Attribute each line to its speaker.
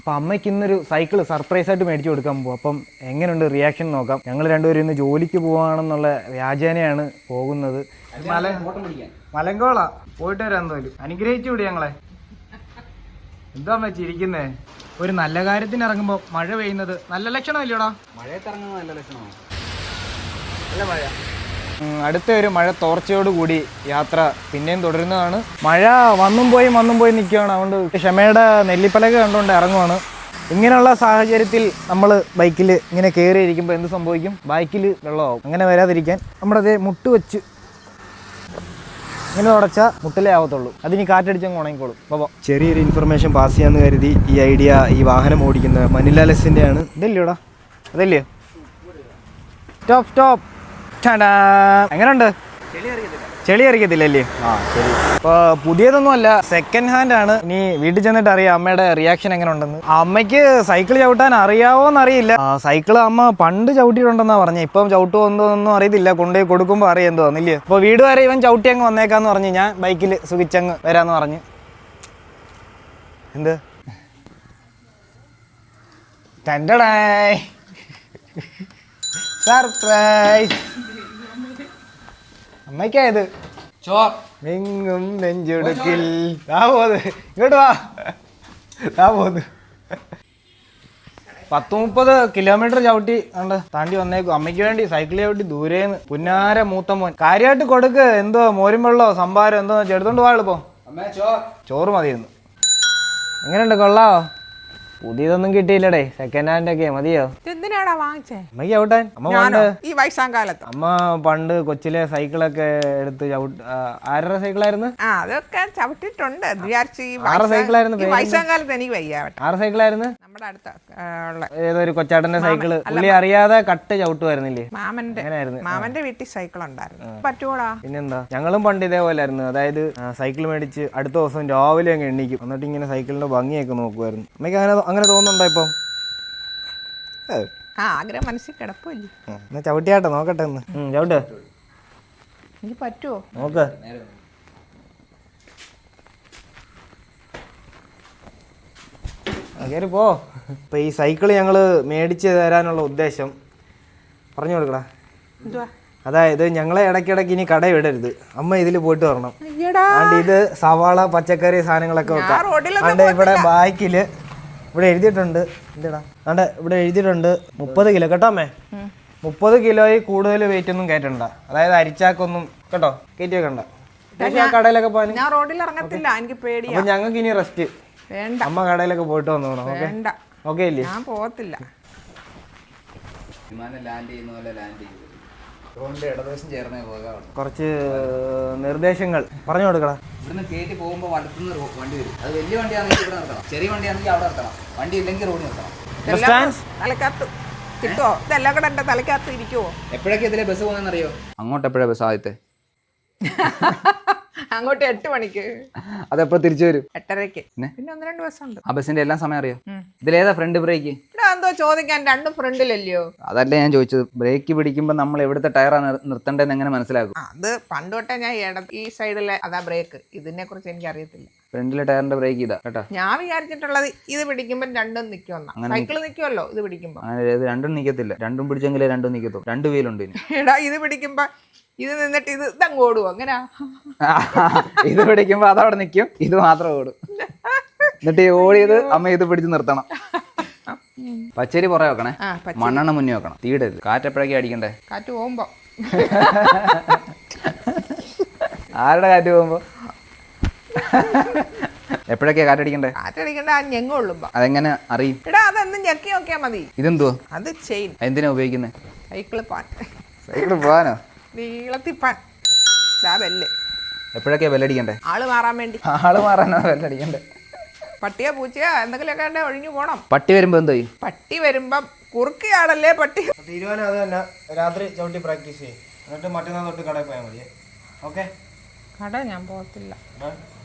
Speaker 1: അപ്പം അമ്മയ്ക്ക് ഇന്നൊരു സൈക്കിൾ സർപ്രൈസ് ആയിട്ട് മേടിച്ചു കൊടുക്കാൻ പോകും. അപ്പം എങ്ങനെയുണ്ട് റിയാക്ഷൻ നോക്കാം. ഞങ്ങൾ രണ്ടുപേരും ഇന്ന് ജോലിക്ക് പോവാണെന്നുള്ള വ്യാജേനയാണ് പോകുന്നത്. മലങ്കോള പോയിട്ട് വരാൻ തോലും അനുഗ്രഹിച്ചു വിടി ഞങ്ങളെ. എന്താ അമ്മ ചിരിക്കുന്നേ? ഒരു നല്ല കാര്യത്തിന് ഇറങ്ങുമ്പോൾ മഴ പെയ്യുന്നത് നല്ല ലക്ഷണമല്ലോടാ?
Speaker 2: മഴയത്തിറങ്ങുന്നത് നല്ല ലക്ഷണമാണ്.
Speaker 1: നല്ല മഴ. അടുത്ത ഒരു മഴ തോർച്ചയോടുകൂടി യാത്ര പിന്നെയും തുടരുന്നതാണ്. മഴ വന്നും പോയി നിൽക്കുകയാണ്. അതുകൊണ്ട് ക്ഷമയുടെ നെല്ലിപ്പലക കണ്ടുകൊണ്ട് ഇറങ്ങുവാണ്. ഇങ്ങനെയുള്ള സാഹചര്യത്തിൽ നമ്മൾ ബൈക്കിൽ ഇങ്ങനെ കയറിയിരിക്കുമ്പോൾ എന്ത് സംഭവിക്കും? ബൈക്കിൽ വെള്ളമാവും. അങ്ങനെ വരാതിരിക്കാൻ നമ്മുടെ മുട്ട് വെച്ച് ഇങ്ങനെ തുടച്ചാൽ മുട്ടിലേ ആവത്തുള്ളൂ. അതിന് കാറ്റടിച്ചങ്ങ് ഉണങ്ങിക്കോളും. അപ്പോൾ ചെറിയൊരു ഇൻഫർമേഷൻ പാസ് ചെയ്യാമെന്ന് കരുതി ഈ ഐഡിയ ഈ വാഹനം ഓടിക്കുന്ന മനിലാലസിൻ്റെ ആണ്. ഇതല്ലേടാ? അതല്ലേ? സ്റ്റോപ്പ്. എങ്ങനെയുണ്ട്? ചെളി അറിയത്തില്ലല്ലേ? ആ ശരി. ഇപ്പോൾ പുതിയതൊന്നും അല്ല, സെക്കൻഡ് ഹാൻഡ് ആണ്. ഇനി വീട്ടിൽ ചെന്നിട്ട് അറിയാം അമ്മയുടെ റിയാക്ഷൻ എങ്ങനെ ഉണ്ടെന്ന്. അമ്മയ്ക്ക് സൈക്കിൾ ചവിട്ടാൻ അറിയാവോന്നറിയില്ല. സൈക്കിൾ അമ്മ പണ്ട് ചവിട്ടിയിട്ടുണ്ടെന്നാ പറഞ്ഞത്. ഇപ്പം ചവിട്ടുമോ എന്തോന്നൊന്നും അറിയത്തില്ല. കൊണ്ടുപോയി കൊടുക്കുമ്പോൾ അറിയാം എന്തോ വന്നില്ലേ. അപ്പോൾ വീട് വരെ ഇവൻ ചവിട്ടി അങ്ങ് വന്നേക്കാന്ന് പറഞ്ഞ് ഞാൻ ബൈക്കിൽ സുഖിച്ചങ്ങ് വരാമെന്ന് പറഞ്ഞ്. എന്ത് ടെൻഡടായ് സർപ്രൈസ് അമ്മയ്ക്കായത്. നിങ്ങും നെഞ്ചെടുക്കിൽ ഇങ്ങോട്ട് വാ പോന്ന്. 10-30 കിലോമീറ്റർ ചവിട്ടി കണ്ട് താണ്ടി വന്നേക്കും. അമ്മയ്ക്ക് വേണ്ടി സൈക്കിൾ ചവിട്ടി ദൂരേന്ന്. പുന്നാര മൂത്ത മോൻ കാര്യമായിട്ട് കൊടുക്ക്. എന്തോ മോരും വെള്ളോ സംഭാരം എന്തോ ചെടുത്തോണ്ട് വാ എളുപ്പം. ചോറ് മതിയെന്ന്. എങ്ങനെയുണ്ട്? കൊള്ളാവോ? പുതിയതൊന്നും കിട്ടിയില്ലടേ, സെക്കൻഡ് ഹാൻഡ് ഒക്കെ മതിയോ?
Speaker 3: എന്തിനാടാ വാങ്ങിച്ചേ?
Speaker 1: അമ്മയ്ക്ക് ചവിട്ടാൻ.
Speaker 3: ഈ വയസ്സാം കാലത്ത്
Speaker 1: അമ്മ പണ്ട് കൊച്ചിലെ സൈക്കിളൊക്കെ എടുത്ത് ആരുടെ സൈക്കിളായിരുന്നു?
Speaker 3: അതൊക്കെ ചവിട്ടിട്ടുണ്ട്.
Speaker 1: ആറ് സൈക്കിളായിരുന്നു?
Speaker 3: വയസ്സാം കാലത്ത് എനിക്ക് വയ്യ.
Speaker 1: ആറ് സൈക്കിളായിരുന്നു?
Speaker 3: നമ്മുടെ അടുത്ത
Speaker 1: ഏതൊരു കൊച്ചാട്ടന്റെ സൈക്കിള് പുള്ളി അറിയാതെ കട്ട് ചവിട്ടുമായിരുന്നില്ലേ?
Speaker 3: മാമന്റെ വീട്ടിൽ സൈക്കിൾ ഉണ്ടായിരുന്നു. പറ്റൂടാ?
Speaker 1: പിന്നെന്താ, ഞങ്ങളും പണ്ട് ഇതേപോലായിരുന്നു. അതായത് സൈക്കിൾ മേടിച്ച് അടുത്ത ദിവസം രാവിലെ അങ്ങ് എണ്ണിക്കും. എന്നിട്ട് ഇങ്ങനെ സൈക്കിളിന്റെ ഭംഗിയൊക്കെ നോക്കുമായിരുന്നു. അമ്മയ്ക്ക് അങ്ങനെ തോന്നുന്നുണ്ടോ ഇപ്പം?
Speaker 3: ആഗ്രഹം മനസ്സിൽ കിടപ്പില്ലേ?
Speaker 1: എന്നാ ചവിട്ടിയാട്ടെ നോക്കട്ടെ ഒന്ന്. ചവിട്ട്.
Speaker 3: എനിക്ക് പറ്റുമോ
Speaker 1: നോക്ക്. കയറി പോ. ഇപ്പം ഈ സൈക്കിള് ഞങ്ങൾ മേടിച്ച് തരാനുള്ള ഉദ്ദേശം പറഞ്ഞു കൊടുക്കടാ. അതായത് ഞങ്ങളെ ഇടയ്ക്കിടയ്ക്ക് ഇനി കട വിടരുത്. അമ്മ ഇതിൽ പോയിട്ട് വരണം. ഇത് സവാള പച്ചക്കറി സാധനങ്ങളൊക്കെ വെക്കാം. അതുകൊണ്ട് ഇവിടെ ബാക്കില് ഇവിടെ എഴുതിയിട്ടുണ്ട്. എന്താടാ അതെ, ഇവിടെ എഴുതിയിട്ടുണ്ട് 30 കിലോ കേട്ടോ അമ്മേ. 30 കിലോയിൽ കൂടുതൽ വെയിറ്റ് ഒന്നും കയറ്റണ്ട. അതായത് അരിച്ചാക്കൊന്നും കേട്ടോ കയറ്റി വെക്കണ്ട. കടയിലൊക്കെ പോകാൻ
Speaker 3: ഞാൻ റോഡിൽ ഇറങ്ങത്തില്ല, എനിക്ക് പേടിയാ.
Speaker 1: അപ്പൊ ഞങ്ങൾക്ക് ഇനി റെസ്റ്റ്.
Speaker 3: വേണ്ട,
Speaker 1: അമ്മ കടയിലൊക്കെ പോയിട്ട് വന്നോണം. ഓക്കെ ഇല്ലേ?
Speaker 3: ഞാൻ പോകത്തില്ല.
Speaker 1: കുറച്ച് നിർദ്ദേശങ്ങൾ പറഞ്ഞു കൊടുക്കണം.
Speaker 2: ഇവിടുന്ന് കയറ്റി പോകുമ്പോൾ വലത്തുനിന്ന് വണ്ടി വരും. അത് വലിയ വണ്ടിയാണെങ്കിൽ ഇവിടെ നിർത്തണം, ചെറിയ വണ്ടിയാണെങ്കിൽ അവിടെ നിർത്തണം. വണ്ടി ഇല്ലെങ്കിൽ റോഡിൽ നിർത്തണം.
Speaker 3: തലക്കകത്ത് കിട്ടുമോ? ഇതെല്ലാം കൂടെ എന്റെ തലക്കകത്ത് ഇരിക്കുവോ?
Speaker 2: എപ്പോഴൊക്കെ ഇതിലെ ബസ് പോകുന്നറിയോ? അങ്ങോട്ട് എപ്പോഴാ ബസ് ആദ്യത്തെ?
Speaker 3: അങ്ങോട്ട് 8 മണിക്ക്.
Speaker 2: അതെപ്പോ തിരിച്ചു വരും?
Speaker 3: 8:30. പിന്നെ 1-2 ബസ്സുണ്ട്.
Speaker 2: ആ ബസ്സിന്റെ എല്ലാം സമയം അറിയോ? ഇതിലേതാ ഫ്രണ്ട് ബ്രേക്ക്?
Speaker 3: എന്തോ ചോദിക്കാൻ, രണ്ടും ഫ്രണ്ടിലല്ലയോ?
Speaker 2: അതല്ലേ ഞാൻ ചോദിച്ചത്. ബ്രേക്ക് പിടിക്കുമ്പോ നമ്മൾ എവിടുത്തെ ടയറാണ് നിർത്തേണ്ടതെന്ന് എങ്ങനെ മനസ്സിലാക്കും?
Speaker 3: അത് പണ്ട് തൊട്ടേ ഞാൻ ഈ സൈഡിലെ അതാ ബ്രേക്ക്. ഇതിനെ കുറിച്ച് എനിക്ക് അറിയത്തില്ല.
Speaker 2: ഫ്രണ്ടിലെ ടയറിന്റെ ബ്രേക്ക് ഇതാ കേട്ടോ.
Speaker 3: ഞാൻ വിചാരിച്ചിട്ടുള്ളത് ഇത് പിടിക്കുമ്പോ രണ്ടും നിൽക്കുമെന്നാ. സൈക്കിൾ നിൽക്കുമല്ലോ, ഇത് പിടിക്കുമ്പോ.
Speaker 2: അങ്ങനെ രണ്ടും നിൽക്കത്തില്ല. രണ്ടും പിടിച്ചെങ്കിലേ രണ്ടും നിൽക്കത്തുള്ളൂ. 2 വീലുണ്ട്.
Speaker 3: എടാ, ഇത് പിടിക്കുമ്പോ ഇത് നിന്നിട്ട് ഇതങ്ങ് ഓടുവോ? അങ്ങനാ?
Speaker 2: ഇത് പിടിക്കുമ്പോ അതവിടെ നിൽക്കും, ഇത് മാത്രം ഓടും. എന്നിട്ട് ഓടിയത് അമ്മ ഇത് പിടിച്ച് നിർത്തണം. പച്ചരി പുറകെ വെക്കണേ, മണ്ണെണ്ണ മുന്നേ വെക്കണം, തീടരുത്. കാറ്റ് എപ്പോഴൊക്കെ അടിക്കണ്ടേ?
Speaker 3: കാറ്റ് പോകുമ്പോ.
Speaker 2: ആരുടെ കാറ്റ് പോകുമ്പോ? എപ്പോഴൊക്കെയാ കാറ്റടിക്കണ്ടേ?
Speaker 3: കാറ്റടിക്കണ്ട ഞെങ്ങുള്ളുമ്പോ.
Speaker 2: അതെങ്ങനെ അറിയും?
Speaker 3: എടാ, അതൊന്നും ഞെക്കി നോക്കിയാ മതി.
Speaker 2: ഇതെന്തുവാ?
Speaker 3: അത് ചെയിൻ.
Speaker 2: എന്തിനാ ഉപയോഗിക്കുന്നത്?
Speaker 3: സൈക്കിള് പാൻ.
Speaker 2: സൈക്കിള് പോവാനോ?
Speaker 3: നീളത്തിപ്പാൻ. ബെല്ല്
Speaker 2: എപ്പോഴൊക്കെയാ ബെല്ലടിക്കണ്ടേ?
Speaker 3: ആള് മാറാൻ വേണ്ടി.
Speaker 2: ആള് മാറാനോ ബെല്ലടിക്കണ്ടേ?
Speaker 3: പട്ടിയോ പൂച്ചയോ എന്തെങ്കിലുമൊക്കെ ഒഴിഞ്ഞു പോണം.
Speaker 2: പട്ടി വരുമ്പോ എന്തോ ചെയ്യും?
Speaker 3: പട്ടി വരുമ്പം കുറുക്കിയാടല്ലേ പട്ടി.
Speaker 1: തീരുമാനം അത് തന്നെ. രാത്രി ചവിട്ടി പ്രാക്ടീസ് ചെയ്യും. എന്നിട്ട് മറ്റന്നാൾ തൊട്ട് കടയിൽ പോയാൽ മതി. ഓക്കെ?
Speaker 3: കട ഞാൻ പോകത്തില്ല.